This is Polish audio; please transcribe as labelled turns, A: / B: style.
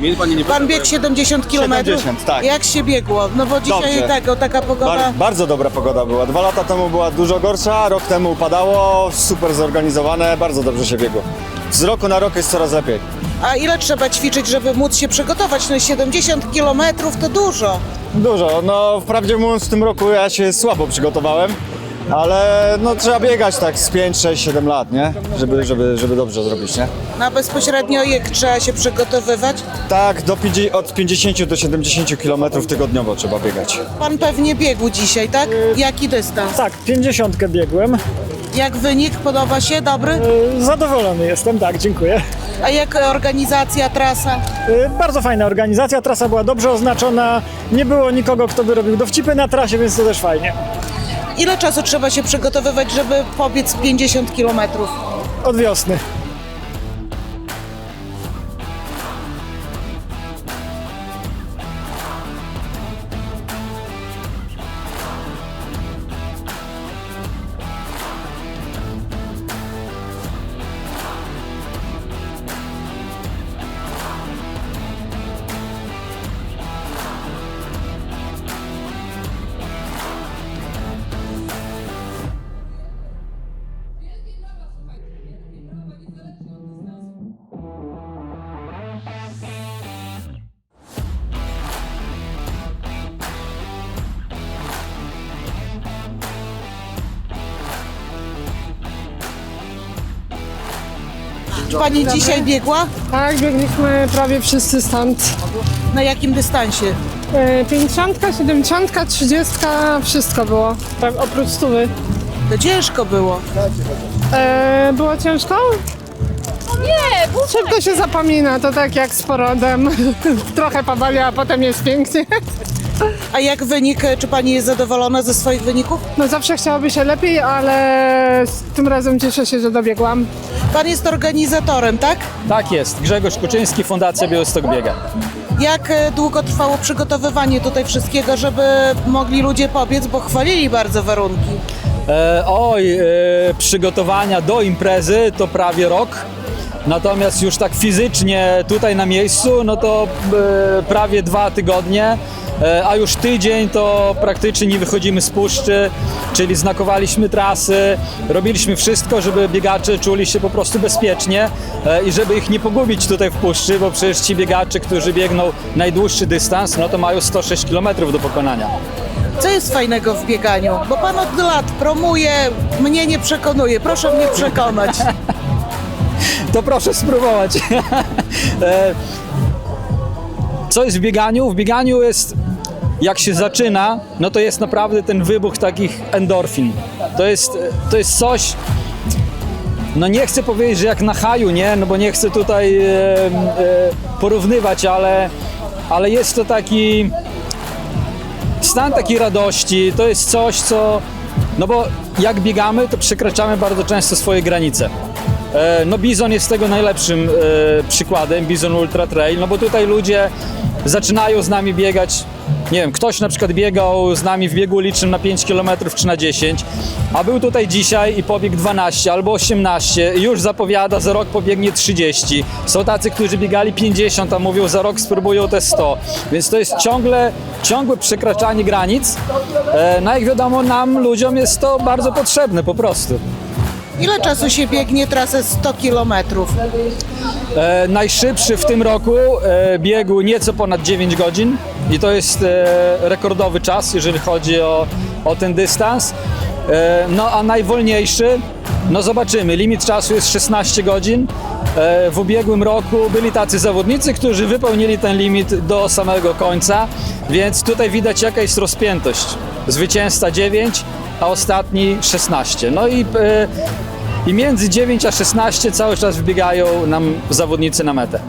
A: Pan biegł 70 km?
B: 70, tak.
A: Jak się biegło? No bo dzisiaj
B: Dobrze.
A: taka pogoda.
B: Bardzo dobra pogoda była. 2 lata temu była dużo gorsza, rok temu upadało, super zorganizowane, bardzo dobrze się biegło. Z roku na rok jest coraz lepiej.
A: A ile trzeba ćwiczyć, żeby móc się przygotować? No 70 km to dużo.
B: Dużo, no wprawdzie mówiąc w tym roku ja się słabo przygotowałem, ale no trzeba biegać tak z 5, 6, 7 lat, nie? Żeby dobrze zrobić, nie?
A: Na bezpośrednio jak trzeba się przygotowywać?
B: Tak, od 50 do 70 km tygodniowo trzeba biegać.
A: Pan pewnie biegł dzisiaj, tak? Jaki dystans?
C: Tak, 50 biegłem.
A: Jak wynik? Podoba się? Dobry?
C: Zadowolony jestem, tak, dziękuję.
A: A jak organizacja, trasa?
C: Bardzo fajna organizacja, trasa była dobrze oznaczona, nie było nikogo, kto by robił dowcipy na trasie, więc to też fajnie.
A: Ile czasu trzeba się przygotowywać, żeby pobiec 50 km?
C: Od wiosny.
A: Pani dzisiaj biegła?
D: Tak, biegliśmy prawie wszyscy stąd.
A: Na jakim dystansie?
D: 50, 70, 30, wszystko było. Tak, oprócz 100.
A: To ciężko było.
D: Było ciężko? Nie, szybko się zapomina, to tak jak z porodem. Trochę poboli, a potem jest pięknie.
A: A jak wynik? Czy pani jest zadowolona ze swoich wyników?
D: No zawsze chciałoby się lepiej, ale tym razem cieszę się, że dobiegłam.
A: Pan jest organizatorem, tak?
E: Tak jest. Grzegorz Kuczyński, Fundacja Białystok Biega.
A: Jak długo trwało przygotowywanie tutaj wszystkiego, żeby mogli ludzie pobiec, bo chwalili bardzo warunki?
E: Przygotowania do imprezy to prawie rok. Natomiast już tak fizycznie tutaj na miejscu, no to prawie 2 tygodnie. A już tydzień to praktycznie nie wychodzimy z puszczy, czyli znakowaliśmy trasy, robiliśmy wszystko, żeby biegacze czuli się po prostu bezpiecznie i żeby ich nie pogubić tutaj w puszczy, bo przecież ci biegacze, którzy biegną najdłuższy dystans, no to mają 106 km do pokonania.
A: Co jest fajnego w bieganiu? Bo pan od lat promuje, mnie nie przekonuje. Proszę mnie przekonać.
E: To proszę spróbować. Co jest w bieganiu? W bieganiu jest, jak się zaczyna, no to jest naprawdę ten wybuch takich endorfin. To jest coś, no nie chcę powiedzieć, że jak na haju, nie? No bo nie chcę tutaj porównywać, ale jest to taki stan takiej radości, to jest coś, co, no bo jak biegamy, to przekraczamy bardzo często swoje granice. No Bizon jest tego najlepszym przykładem, Bizon Ultra Trail, no bo tutaj ludzie zaczynają z nami biegać, nie wiem, ktoś na przykład biegał z nami w biegu ulicznym na 5 km czy na 10, a był tutaj dzisiaj i pobiegł 12 albo 18 i już zapowiada, za rok pobiegnie 30. Są tacy, którzy biegali 50, a mówią, za rok spróbują te 100. Więc to jest ciągłe przekraczanie granic. No jak wiadomo, nam, ludziom jest to bardzo potrzebne po prostu.
A: Ile czasu się biegnie trasę 100 km?
E: Najszybszy w tym roku biegł nieco ponad 9 godzin i to jest rekordowy czas, jeżeli chodzi o ten dystans. No a najwolniejszy, no zobaczymy, limit czasu jest 16 godzin. W ubiegłym roku byli tacy zawodnicy, którzy wypełnili ten limit do samego końca, więc tutaj widać, jaka jest rozpiętość. Zwycięzca 9, a ostatni 16. No i między 9 a 16 cały czas wbiegają nam zawodnicy na metę.